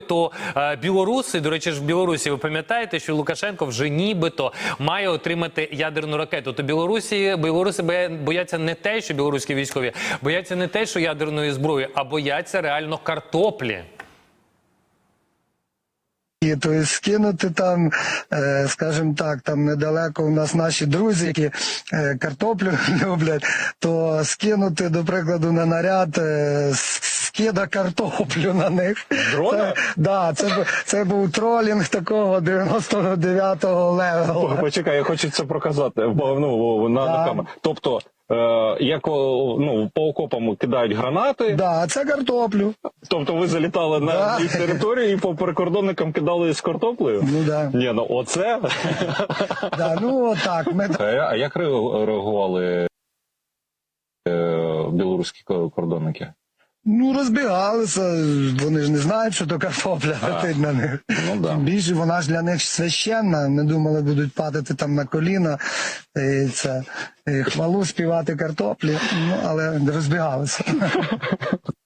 нібито білоруси, до речі ж в Білорусі, ви пам'ятаєте, що Лукашенко вже нібито має отримати ядерну ракету. То білоруси бояться не те, що білоруські військові, бояться не те, що ядерної зброї, а бояться реально картоплі. Тобто скинути там, скажімо так, там недалеко у нас наші друзі, які картоплю люблять, то скинути, до прикладу, на наряд скида картоплю на них. Дрона? Да, це був тролінг такого 99-го левела. Почекай, я хочу це проказати на камеру. Тобто, як по окопам кидають гранати. Да, це картоплю. Тобто ви залітали на їх територію і по прикордонникам кидали з картоплею? Ну да. Ні, ну оце. Да, ну отак. А як реагували білоруські кордонники? Ну, розбігалися, вони ж не знають, що то картопля летить на них. Ну, да. Тим більше вона ж для них священна, не думали, будуть падати там на коліна, і хвалу співати картоплі, ну, але розбігалися.